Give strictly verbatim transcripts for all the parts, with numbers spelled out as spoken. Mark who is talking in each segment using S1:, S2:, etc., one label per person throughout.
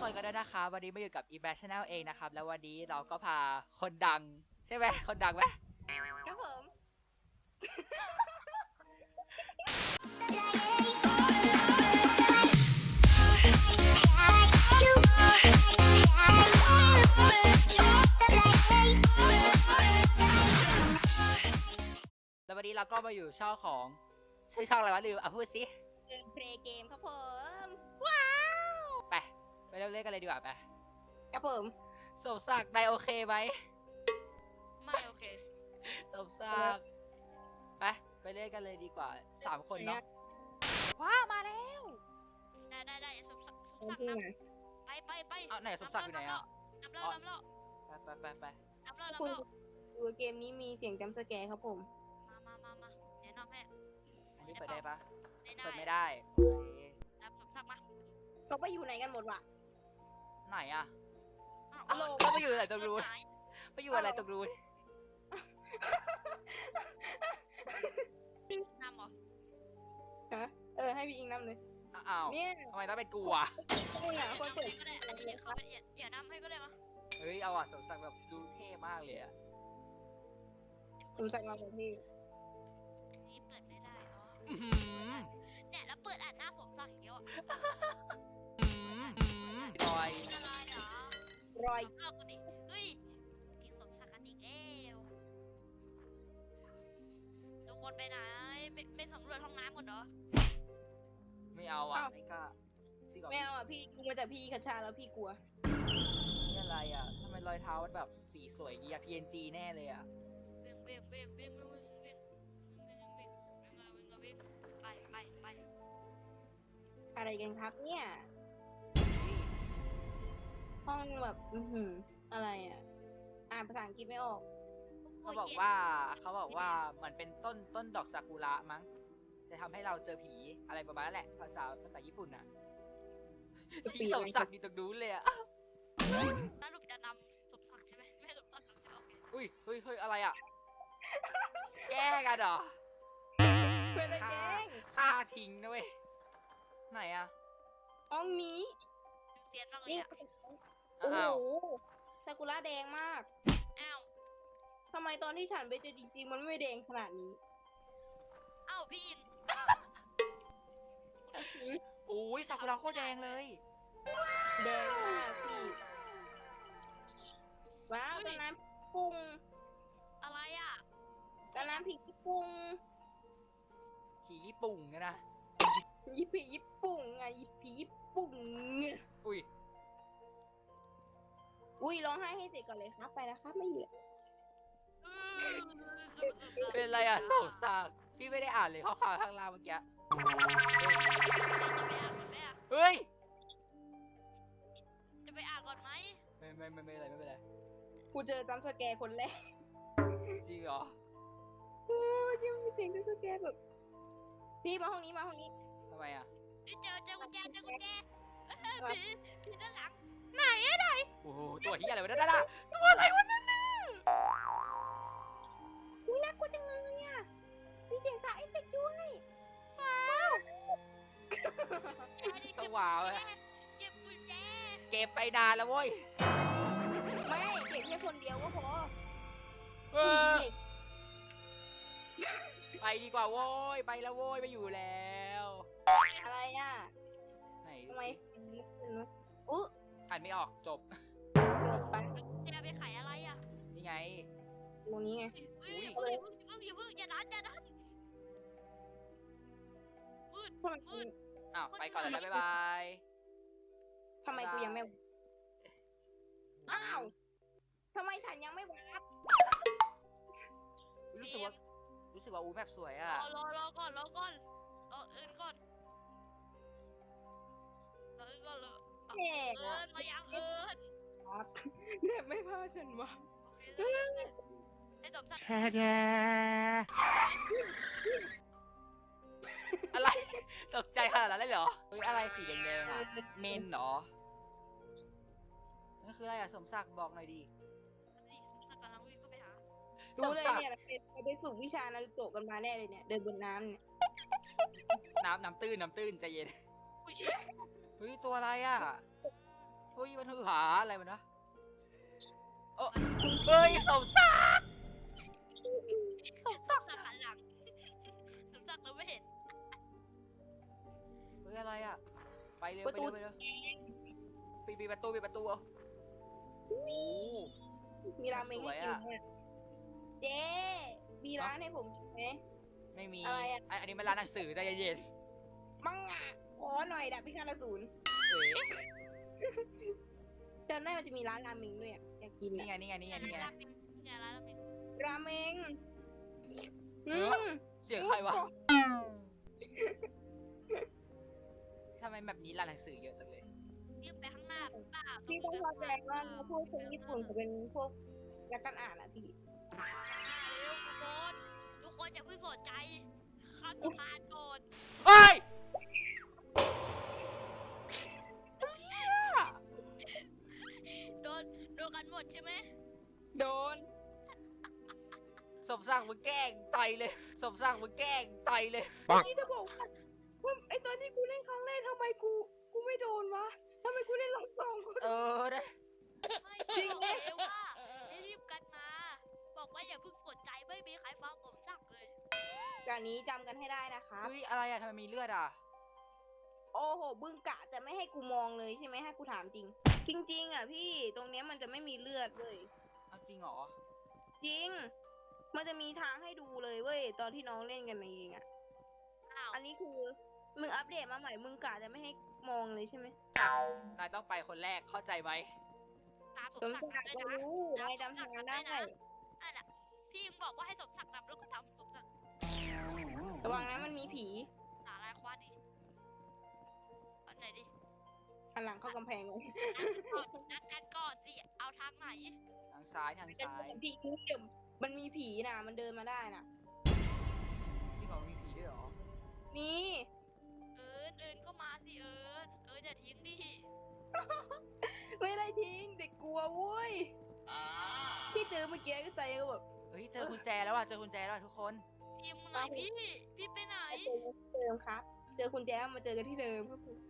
S1: คนกันด้วยนะคะวันนี้มาอยู่กับ Ebash Channel เองนะครับแล้ววันนี้เราก็พาคนดังใช่ไหมคนดังไหม
S2: ครับผม
S1: แล้ววันนี้เราก็มาอยู่ช่องของชื่อช่องอะไรวะลืมอ่ะพูดสิ
S2: เพลย์เกมครับผม
S1: ว้าวไปไปเริ่มเล่นกันเลยดีกว่าไป
S2: ครับผม
S1: สมศักดิ์นายโอเคไหม
S3: ไม่โอเค
S1: สมศักดิ์ไปไปเล่นกันเลยดีกว่าสามคนเนาะว้าวมาแล้ว
S3: ได้ได้ได้สมศักดิ์สมศักดิ์นำไปไปไป
S1: เอาไหนสมศักดิ์อยู่ไหนอ่ะ
S3: นำเล่านำเล่า
S1: ไปไปไปไป
S3: นำเล่านำเล่า
S2: ดูเกมนี้มีเสียงจัมป์สแกร์ครับผม
S3: มามามามาแนะนำให้
S1: อันนี้เปิดได้ปะ
S3: เ
S1: ปิดไม่ได้
S3: นำสมศักดิ์มา
S2: เราไปอยู่ไหนกันหมดวะ
S1: ไหนอ่ะ
S3: อ้าว
S1: เราไปอยู่อะไรตรงนู้นไปอยู่อะไรตรงนู้น
S3: พี่นำเหรอ
S2: ฮะเออให้พี่อิงนำเลย
S1: อ้าว
S2: เนี่ย
S1: ทำไมต้องเป็นกูอ่ะ
S2: คุณอ่ะคนเปิด
S3: ก็ได้อันนี้เดี๋ยวเข้าไปเดี๋ยวนำให้ก็ได้มา
S1: เฮ้ยเอาอ่ะสมศักดิ์แบบดูเท่มากเลยอ่ะ
S2: สมศักดิ์มาแบบพี่
S3: นี่เปิดไม่ได้เนาะเนี่ยแล้วเปิดอ่านหน้าสมศักดิ์อย่างเดียว
S1: รอย
S3: อะไรเหรอ
S2: รอย
S3: เลิกกันดิเฮ้ยกินสมศักดิ์กันอีกแล้วทุกคนไปไหนไม่ไม่สำรวจห้องน้ำก่อนเหรอ
S1: ไม่เอาอ่ะไม่กล้า
S2: ไม่เอาอ่ะพี่กูมาจากพี่คาชาแล้วพี่กลัว
S1: นี่อะไรอ่ะทำไมรอยเท้ามันแบบสีสวยเยีย พี เอ็น จี แน่เลยอ่ะ
S3: เว้งเว้งเว้งเว้งเว้งเว้งเว้งเว้งเว้งเว้งเว้งไปไปไป
S2: อะไรกันครับเนี่ยห้องแบบอือหืออะไรอ่ะอ่านภาษาอังกฤษไม่ออก
S1: เขาบอกว่าเขาบอกว่ามันเป็นต้นต้นดอกซากุระมั้งจะทำให้เราเจอผีอะไรประมาณนั้นแหละภาษาภาษาญี่ปุ่นน่ะพี่สมศักดิ์อยู่ตรงนู้นเลยอ่ะ
S3: สรุปจะนำสมศักดิ์ใช่ไหมไม่สมศักดิ์จะโอเค
S1: อุ้ยเฮ้ยเฮ้ยอะไรอ่ะแก้กันเหรอ
S2: เป็นอะไรแกง
S1: ฆ่าทิ้งนะเว้ยไหนอ่ะ
S2: ห้องนี้
S3: เตียนมากเลยอ่ะ
S2: โอ้โหซากุระแดงมาก
S3: อ้าว
S2: ทำไมตอนที่ฉันไปเจอจริงๆมันไม่แดงขนาดนี้
S3: อ้าวพี่อิน
S1: โอ้ยซากุระโคตรแดงเลย
S2: แดงมากพี่ว้าวตอนนั้นปุ้ง
S3: อะไรอ่ะ
S2: ตอนนั้นผีญี่ปุ่ง
S1: ผีญี่ปุ่งนะ
S2: ยี่ผีญี่ปุ่งไงผีญี่ปุ่ง
S1: อุ้ย
S2: อุ้ยร้องไห้ให้เสร็จก่อนเลยครับไปแล้วครับไม่อยู่
S1: เป็นไรอ่ะสงสารพี่ไม่ได้อ่านเลยข้อความข้างล่างเมื่อกี้เฮ้ย
S3: จะไปอ่านก่อนไหม
S1: ไม่ไม่ไม่ไม่อะไรไม่เป็นไร
S2: กูเจอจัมป์สแกร์คนแรก
S1: จริงเหรอ
S2: โอ้ยยังมีเสียงจัมป์สแกร์แบบพี่มาห้องนี้มาห้องนี้
S1: ทำไมอ่ะ
S3: เจอเจอกุญแจเจอกุญแจผีผีด้านหลังไหนอะไหน
S1: โอ้โหตัวเฮียอะไรวะนั่นน่ะตัวอะไรวะนั่นน่ะ
S2: อุ้ยน่ากลัวจังเลยเนี่ยมีเสียงสายเอฟเฟกต์ด้วยว้าว
S1: ต้องว้าวเลย
S3: เก็บกุญแจ
S1: เก็บไปนานแล้วเว้ย
S2: ไม่เก็บแค่คนเดียวก็พอ
S1: เออไปดีกว่าโว้ยไปแล้วโว้ยไปอยู่แล้ว
S2: อะไรอ่ะ
S1: ไหน
S2: ทำไมอุ๊
S1: อ่านไม่ออกจบ
S2: ไป
S3: จะไปขายอะไรอ่ะ
S1: นี่ไง
S2: ตรงนี้ไง
S3: อุ้ยอย่าเพิ่งอย่าเพิ่งอย่าดันอย่าดันมืดมืด
S1: อ้าวไปก่อนเลยนะบ๊ายบาย
S2: ทำไมกูยังไม่อ้าวทำไมฉันยังไม่วาร์ป
S1: รู้สึกว่ารู้สึกว่าอูแบบสวยอ่ะ
S3: รอรอก่อนรอก่อนรอเอิญก่อนรอเอิญก่อนเลยเอิญมายังเอิญ
S2: เด็กไม่พาฉันวะ
S3: ไอ้สมศักดิ์
S1: อะไรตกใจขนาดนั้นเลยเหรอเฮ้ยอะไรสีแดงๆอ่ะเมนเหรอนั่นคืออะไรอ่ะสมศักดิ์บอกหน่อยดิ
S3: สมศักดิ์กำลังวิ่งเข้าไปหา
S2: ดูเลยเนี่ยเราไปฝึกวิชานารูโตะกันมาแน่เลยเนี่ยเดินบนน้ำเนี่ย
S1: น้ำน้ำตื้นน้ำตื้นใจเย็นเฮ้ยตัวอะไรอ่ะฮ้ยมันฮือหาอะไรมันนะเออเฮ้ยสมศักดิ์สม
S3: ส
S1: ศั
S3: ม
S1: กดิ์
S3: ศักดิ์หันหลังสมศักดิ์เราไม่เห็น
S1: เฮ้ยอะไรอ่ะไปเร็วไปเร็วไปเร็วปิดปิดประตูปิดประตูเอาโอ้โห
S2: มีราเมงให้กินเนี่ยเจ๊มีร้านให้ผมกินไหม
S1: ไม่มี
S2: อะไรอะ
S1: ไออันนี้มันร้านหนังสือใจเย็น
S2: มังงะขอหน่อยดับพิฆาตอสูร
S1: ๆเอ๋
S2: จำได้มันจะมีร้านราเมงด้วยอะอยากกิน
S1: นี่
S2: อะ
S1: ไงนี่ไงนี่ไง
S3: เนี่ย
S1: นี่ไง
S3: ร้านราเมงเนี่ยร้านราเมง
S2: ราเมง
S1: เอ
S2: อื
S1: อ
S2: ม
S1: เสียงใครวะทำไมแบบนี้ร้านหนังสือเยอะจังเลย
S3: ยิ่งไปข้างหน้าป้า
S2: พี่ต้องเข้าใจว่าพวกคนญี่ปุ่นจะเป็นพวกนักการอ่านอะพี่
S3: เร็วทุกคนทุกคนอย่าเพิ่งสนใจข้ามสะพานก่อน
S1: เฮ้ย
S3: โดนโดนกันหมดใช่ไหม
S2: โดน
S1: สมศักดิ์มึงแกล้งต่อยเลย สมศักดิ์มึงแกล้งต่อยเลย
S2: นี่จะบอกว่าว่าไอตอนที่กูเล่นครั้งแรกทำไมกูกูไม่โดนวะทำไมกูเล่นรอบสองกู
S1: เออได้
S3: ไม่บอกเลยว่าให้รีบกันมา บอกว่าอย่าเพิ่งสนใจไม่มีใครฟังผมสั่งเลย
S2: การนี้จำกันให้ได้นะคะ
S1: เฮ้ยอะไรอะทำไมมีเลือดอะ
S2: โอ้โหบึงกะจะไม่ให้กูมองเลยใช่ไหมให้กูถามจริง จริง ๆ อ่ะพี่ตรงเนี้ยมันจะไม่มีเลือดเว้ย
S1: เอาจริงเหรอ
S2: จริง มันจะมีทางให้ดูเลยเว้ยตอนที่น้องเล่นกันเองอ่ะ
S3: อ้าว
S2: อันนี้คือมึงอัปเดตมาใหม่มึงกะจะไม่ให้มองเลยใช่ไหม
S1: นายต้องไปคนแรกเข้าใจไหม
S3: ตามผม
S2: สม
S3: สั่ง
S2: ศักดิ์
S3: ด้วย
S2: ก็
S3: นะ
S2: รู้นายจำทางได้
S3: นั่นแหละพี่ยังบอกว่าให้สมศักดิ์ทำแล้วก็ทำสมศักดิ์
S2: ระวังนะมันมีผี
S3: หาลายคว้าดิอันไหนดิ
S2: หันหลังเข้ากำแพงเลย
S3: นัดกันก่อนสิเอาทางไหน
S1: ทางซ้ายทางซ้าย
S2: ผีเดี๋ยวมันมีผีนะมันเดินมาได้นะ
S1: จริงเหรอมีผีด้วยเหรอ
S2: นี่
S3: เอิญเอิญก็มาสิเอิญเอิญอย่าทิ้งดิ
S2: ไม่ได้ทิ้งเด็กกลัวเว้ยที่เจอเมื่อกี้ก็ใจก็แบบ
S1: เฮ้ยเจอกุญแจแล้วอะเจอกุญแจแล้วอะทุกคน
S3: พิมพ์ไหนพี่พี่ไปไหน
S2: เจอกันที่เดิมครับ เจอคุณแจ๊มาเจอกันที่เดิมครับผม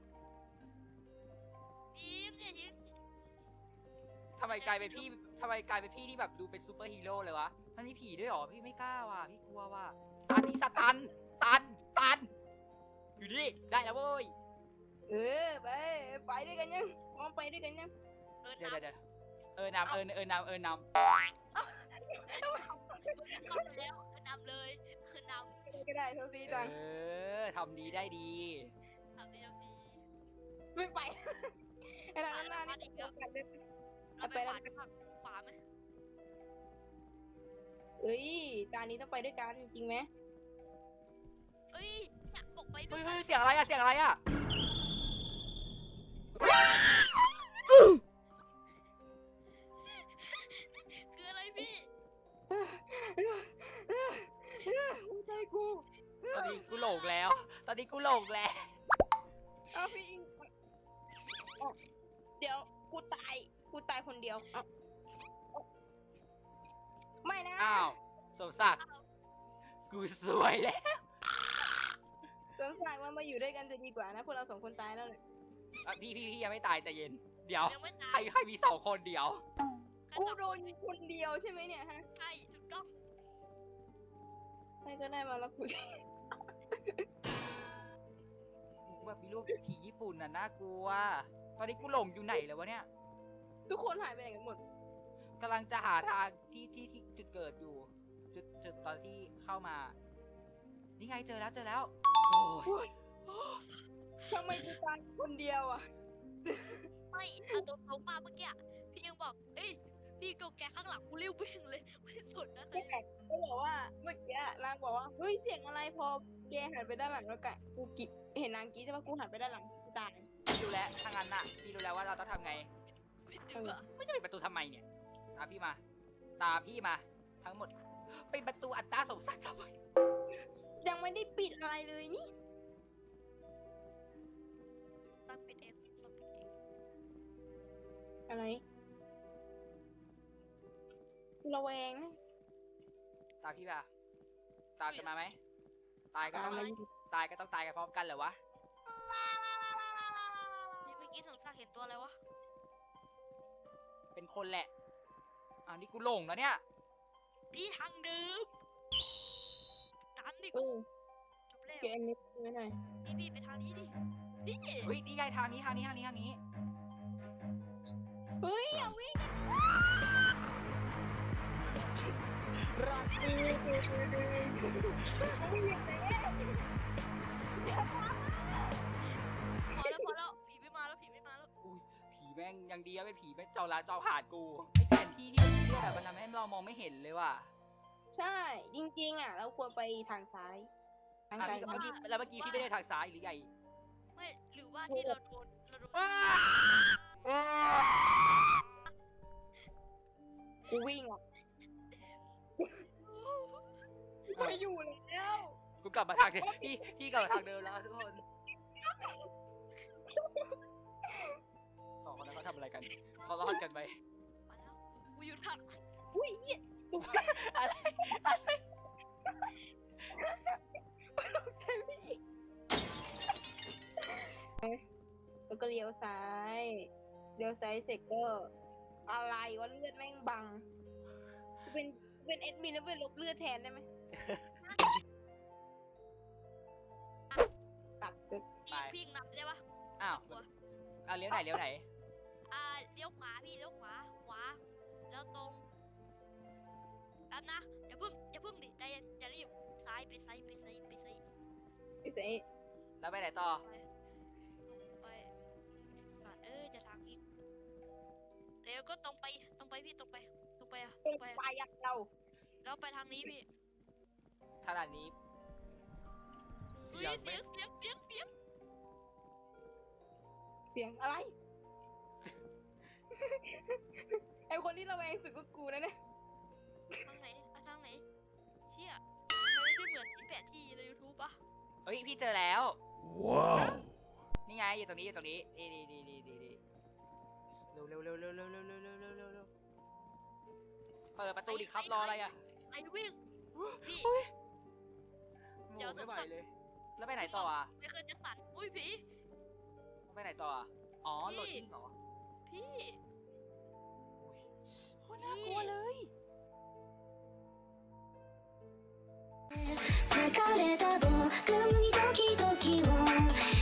S3: พิมพ์อย่าทิ้ง
S1: ทำไมกลายเป็นพี่ทำไมกลายเป็นพี่ที่แบบดูเป็นซูเปอร์ฮีโร่เลยวะ มันมีผีด้วยเหรอ พี่ไม่กล้าว่ะ พี่กลัวว่ะตันอีสตัน ตัน ตัน อยู่ดิ ได้แล้วเว้ย
S2: เออไปไปด้วยกันยังมองไปด้วยกันยัง
S3: เอิญ
S1: เดี๋ยว
S3: นับ
S1: เดี๋ยวเออนำเออเออนำเออน
S3: เข้าไปแล้วเอิญนำเลยเอิญนำ
S2: ก็ได้เท่าที
S1: ำ
S2: จัง
S1: เออทำดีได้ดี
S3: ทำดีทำดี
S2: ไม่ไปไอ้ร้านหน้านี่เดียวกันเลย
S3: เราไปขวาฝั่งขวาไหม
S2: เอ้ยตานี้ต้องไปด้วยกันจริงไหม
S3: เอ้ยเนี่ยบอกไปด้
S1: เฮ้
S3: วย ย
S1: เฮ้ยเสียงอะไรอะเสียงอะไรอะ
S3: คืออะไรพี่
S2: หัวใจกู
S1: ตอนนี้กูหลงแล้ว ตอนนี้กูหลงแล้ว
S2: เอาพี่อิงเอาเดี๋ยวกูตายกูตายคนเดียวเอาเอาไม่นะ
S1: อ้าวสมศักดิ์กูสวยแล้ว
S2: สงสารมันมาอยู่ด้วยกันจะดีกว่านะพวกเราสองคนตายแล้วเนี่ย
S1: อ่ะพี่พี่พี่ยังไม่ตายใจเย็น เดี๋ยว
S3: ยังไม่ตา
S1: ใคร
S3: ย
S1: ใครมีสองคนเดี๋ยว
S2: กูโดนยิงคนเดียวใช่ไหมเนี่ยฮะ
S3: ใช่ถูกต้อง
S2: ใครก็ได้มาแล้วกู
S1: แบบมีรูปผีญี่ปุ่นน่ะน่ากลัว ตอนนี้กูหลงอยู่ไหนแล้ววะเนี่ย
S2: ทุกคนหายไปไหนกันหมด
S1: กำลังจะหาทางที่ที่ที่จุดเกิดอยู่ จุดจุดตอนที่เข้ามา นี่ไงเจอแล้วเจอแล้ว โอ้ย
S2: ทำไมกูตายคนเดียวอ่ะ
S3: ไม่เอาตัวเขามาเมื่อกี้พี่ยังบอกเอ้ยพี่กูแกข้างหลังกูรีบวิ่งเลยไม่สนนะ
S2: แม่ก็บอกว่าเมื่อกี้นางบอกว่าเฮ้ยเสียงอะไรพอแกหันไปด้านหลังแล้วกะกูกิเห็นนางกี้ใช่ปะกูหันไปด้านหลังกูตาย
S1: พี่รู้แล้วถ้างั้นน่ะพี่รู้แล้วว่าเราต้องทำไง
S3: ไม่ดีกว่า
S1: ไม่จะปิดประตูทำไมเนี่ย ตามพี่มา ตามพี่มา ทั้งหมดปิดประตูอัตราสมศักดิ์ทำไม
S2: ยังไม่ได้ปิดอะไรเลยนี่
S3: ต้องปิดเองต้องปิดเอง
S2: อะไรกูระแวงนะ
S1: ตามพี่มา ตามกันมาไหม ตายก็
S2: ตาม
S1: ต้อง
S2: มา
S1: ตายก็ต้องตายกันพร้อมกันเหรอวะ
S3: นี่เมื่อกี้สงสัยเห็นตัวตัวอะไรวะ
S1: เป็นคนแหละอ้าวนี่กูหลงแล้วเนี่ย
S3: พี่ทางเดิมตันดิ
S2: เอ
S3: กู
S2: อ
S3: จบแล้ว
S2: เกมนี้ไม่หน่อย
S3: พี่พี่ไปทางนี้ดิพี่
S1: เฮ้ยนี่ไงทางนี้ทางนี้ทางนี้ทางนี้
S2: เฮ้ยอย่าวิ่งรักดีวิ่งอย่างนี้
S3: พอแล้วพอแล้วผีไม่มาแล้วผีไม่มาแล้ว
S1: อุ้ยผีแม่งยังดีอะไม่ผีแม่งเจ้าละเจ้าผ่านกูไอ้แผนที่ที่เลือกอะมันทำให้เรามองไม่เห็นเลยว่ะ
S2: ใช่จริงๆอ่ะ เราควรไปทางซ้ายทาง
S1: อ่ะ
S2: ซ้าย
S1: พี่เมื่อกี้แล้วเมื่อกี้พี่ไม่ได้ทางซ้ายหรือไง
S3: ไม่หรือว่าที่เราโดนเราโดน
S2: กูวิ่งอ่ะไม่อยู่แล้ว
S1: กูกลับมาทางเดิมพี่พี่กลับมาทางเดิมแล้วทุกคนสองคนนั้นเขาทำอะไรกันเขารอดกันไหม
S3: มาแล้วกูอยู่ทาง
S2: อุ้ยเหี้ย
S1: อะไรอะไร
S2: ใช่ไม่อีกแล้วก็เลี้ยวซ้ายเลี้ยวซ้ายเสร็จก็อะไรวะเลือดแม่งบังกูเป็นกูเป็นเอดมินแล้วเป็นลบเลือดแทนได้ไหมตัดจุด
S3: พี่พี่นับได้ปะ
S1: อ้าว
S3: หัว
S1: เอาเลี้ยวไหนเลี้ยวไหน
S3: อ่าเลี้ยวขวาพี่เลี้ยวขวาขวาแล้วตรงแป๊บนะอย่าพึ่งอย่าพึ่งดิใจเย็นอย่ารีบซ้ายไปซ้ายไปซ้ายไปซ้าย
S2: ไอ้เสย
S1: แล้วไปไหนต่อ
S3: ไปไปสัตว์เอ้ยจะทางอีกเดี๋ยวก็ตรงไปตรงไปพี่ตรงไปตรงไปอะต
S2: เป็
S3: ร
S2: น
S3: งไปอะ
S2: ปลายักษ์เรา
S3: แล้วไปทางนี้พี่
S1: ขนาดนี้
S3: เฮ้
S1: เสีย
S3: ย
S1: งไม่
S3: เสียงเสียงเสียงเสียง
S2: เสียงอะไร ไอ้คนที่ระแวงสุดก็กูนะเนี่ย
S3: ทางไหนอะทางไหนเชี่ยทำไมไม่เหมือนที่แปะที่ใน YouTube ปะ
S1: เฮ้ยพี่เจอแล้ว
S4: ว้าว
S1: นี่ไงอยู่ตรงนี้อยู่ตรงนี้นี่นี่นี่นี่นี่นี่เร็วเร็วเร็วเร็วเร็วเร็วเร็วเร็วเร็วเร็วเร็วเปิดประตูดิครับรออะไรอ่ะ
S3: ไอ้วิ่งพี่
S1: โอ้ย
S3: เดี๋ยว
S1: ไม่ไหว
S3: สงสัย
S1: เลย แล้วไปไหนต่ออ่ะ
S3: ไม่เคยจะสั่นอุ้ยผี
S1: ไปไหนต่ออ่ะอ๋อ
S3: พี่
S1: โหลดอินเหรอ
S3: พี่
S1: โอ้ยโคตรน่ากลัวเลย
S5: 疲れた僕にドキドキを